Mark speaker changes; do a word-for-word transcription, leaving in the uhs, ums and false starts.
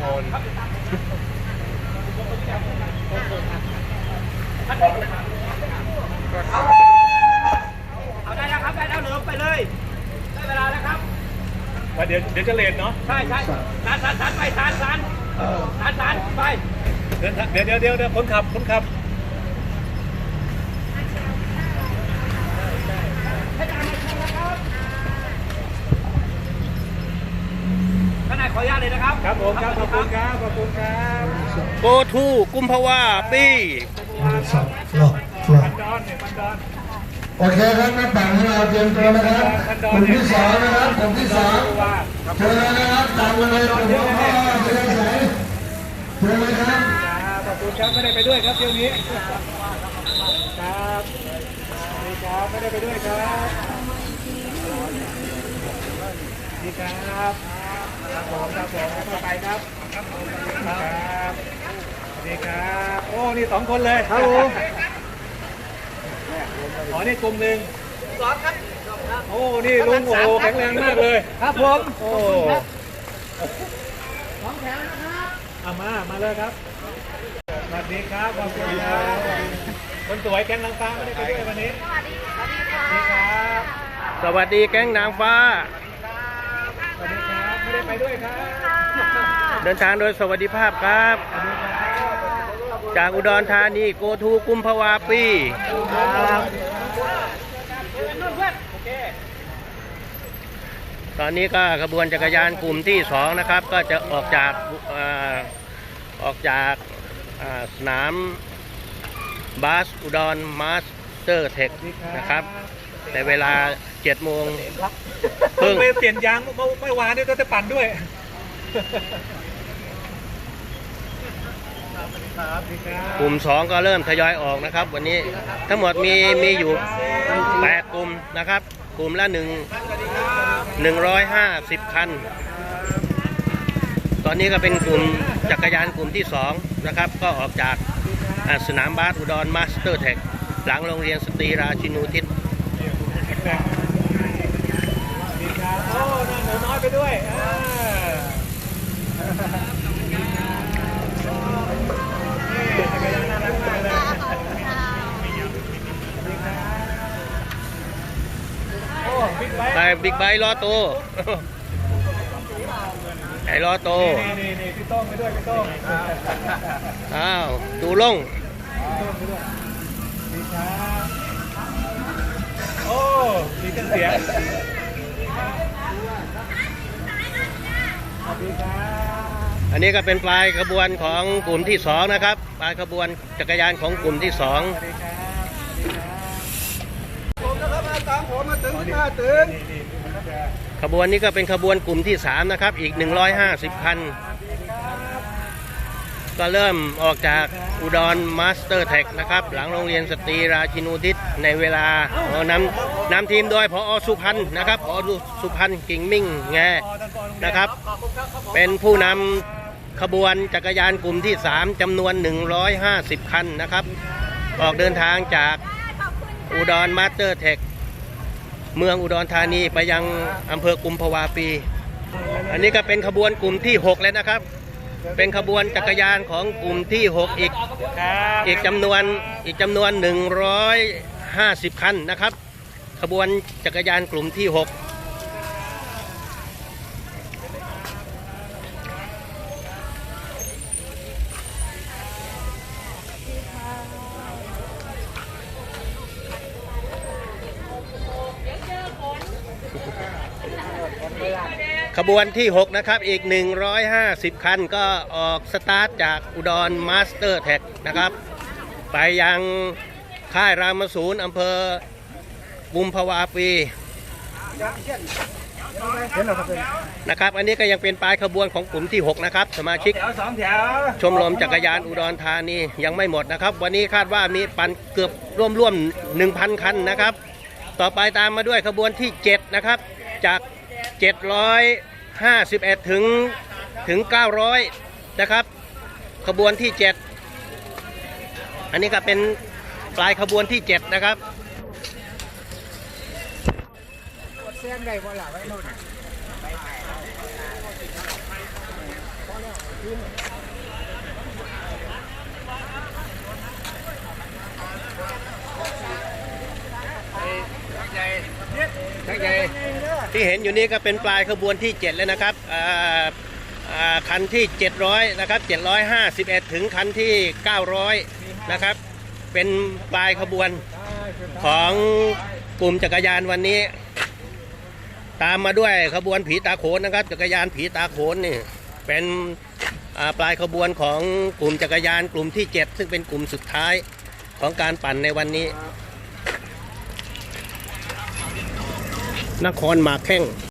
Speaker 1: คน
Speaker 2: เอาได้แล้วครับได้แล้วเหลือไปเลยได้เวลาแล้วครับ
Speaker 1: เดี๋ยวเดี๋ยวจะเลทเนาะ
Speaker 2: ใช่ใช่สานสานสานไปสานสานสานสานไป
Speaker 1: เดี๋ยวเดี๋ยวเดี๋ยวเดี๋ยวคนขับคนขับ
Speaker 2: ข้างในขออนุญาตเลยนะครับ
Speaker 1: ครับผมครับขอบคุณครับขอบคุณครับ
Speaker 3: โกทูกุมภาวาปี
Speaker 4: สับหลอกหลอก
Speaker 1: มันดอนเนี่ยมันดอน
Speaker 4: โอเคครับนักปั่นของเราเตรียมตัวนะครับกลุ่มที่สองนะครับกลุ่มที่สองเชิญเลยนะครับตามมาเลยกลุ่มที่พ่อเชิญเลยเชิญเลยครับ
Speaker 1: ขอบคุณครับไม่ได้ไปด้วยครับเที่ยวนี้ครับนี่ครับไม่ได้ไปด้วยครับนี่ครับครับผมครับผมเข้าไปครับครับนี่ครับโอ้นี่สองคนเลยครับผมอ๋อนี่กลุ่มหนึ่งสองครับโอ้นี่ลุงโอ้โหแข็งแรงมากเลยครับผมโอ้สองแถวนะครับเอามามาเลยครับสวัสดีครับขอบคุณครับคนสวยแก๊งนางฟ้าไม่ได้ไปด้วยวันนี้สวัสดีครับ
Speaker 3: สวัสดีแก๊งนางฟ้า
Speaker 1: สวัสดีครับไม่ได้ไปด้วยครับ
Speaker 3: เดินทางโดยสวัสดิภาพครับ จากอุดรธานีโกทูกุมภาวาปีตอนนี้ก็ขบวนจักรยานกลุ่มที่สองนะครับ ก็จะออกจากอ่าออกจากอ่าสนามบาสอุดรมาสเตอร์เทคนะครับในเวลาเจ็ดโมง
Speaker 1: เพิ่งไปเปลี่ยนยางเมื่อเมื่อวานนี้ก็จะปั่นด้วย
Speaker 3: กลุ่มสองก็เริ่มทยอยออกนะครับ วันนี้ทั้งหมดมีมีอยู่แปดกลุ่มนะครับ กลุ่มละหนึ่งหนึ่งร้อยห้าสิบคัน ตอนนี้ก็เป็นกลุ่มจักรยานกลุ่มที่สองนะครับ ก็ออกจากสนามบาสอุดรมาสเตอร์เทคหลังโรงเรียนสตรีราชินูทิศ
Speaker 1: โอ้นั่งหนูน้อยไปด้วย
Speaker 3: ไปบิ๊กไบค์ล้อโตไอ้ล้อโต
Speaker 1: นี่นี่นี่พี่โต้งไปด้วยพี่โต้ง
Speaker 3: อ้าวดูลง
Speaker 1: ดีครับโอ้มีเครื่องเสียงสวัสดีครับ
Speaker 3: อันนี้ก็เป็นปลายขบวนของกลุ่มที่สองนะครับ ปลายขบวนจักรยานของกลุ่มที่สอง
Speaker 1: สวัสดีครับ
Speaker 2: ผมนะครับมาตามผมมาถึงมาถึง
Speaker 1: นี่นี่มันก็จะ
Speaker 3: ขบวนนี้ก็เป็นขบวนกลุ่มที่สามนะครับอีกหนึ่งร้อยห้าสิบคัน ก็เริ่มออกจากอุดรมาสเตอร์เทคนะครับหลังโรงเรียนสตรีราชินูทิศในเวลานำนำทีมโดยพอสุพันธ์นะครับพอสุพันธ์กิ่งมิ่งแงนะครับเป็นผู้นำขบวนจักรยานกลุ่มที่สามจำนวนหนึ่งร้อยห้าสิบคันนะครับออกเดินทางจากอุดรมาสเตอร์เทคเมืองอุดรธานีไปยังอำเภอกุมภาวาปี อันนี้ก็เป็นขบวนกลุ่มที่หกแล้วนะครับ เป็นขบวนจักรยานของกลุ่มที่หกอีกอีกจำนวนอีกจำนวนหนึ่งร้อยห้าสิบคันนะครับ ขบวนจักรยานกลุ่มที่หกขบวนที่หกนะครับอีกหนึ่งร้อยห้าสิบคันก็ออกสตาร์ทจากอุดรมาสเตอร์เทคนะครับไปยังค่ายรามศูนย์อำเภอกุมภาวาปีนะครับอันนี้ก็ยังเป็นปลายขบวนของกลุ่มที่หกนะครับสมาชิกชมรมจักรยานอุดรธานียังไม่หมดนะครับวันนี้คาดว่ามีปั่นเกือบร่วมๆ หนึ่งพัน คันนะครับต่อไปตามมาด้วยขบวนที่เจ็ดนะครับจากเจ็ดร้อยห้าสิบเอ็ดถึงถึงเก้าร้อยนะครับขบวนที่เจ็ดอันนี้ก็เป็นปลายขบวนที่เจ็ดนะครับ
Speaker 2: เสียงใดบ่ล่ะไว้โน่น
Speaker 3: ที่เห็นอยู่นี้ก็เป็นปลายขบวนที่เจ็ดแล้วนะครับอ่าอ่าคันที่เจ็ดร้อยนะครับเจ็ดร้อยห้าสิบเอ็ดถึงคันที่เก้าร้อยนะครับเป็นปลายขบวนของกลุ่มจักรยานวันนี้ ตามมาด้วยขบวนผีตาโขนนะครับจักรยานผีตาโขนนี่เป็นอ่าปลายขบวนของกลุ่มจักรยานกลุ่มที่เจ็ดซึ่งเป็นกลุ่มสุดท้ายของการปั่นในวันนี้นครหมากแข้ง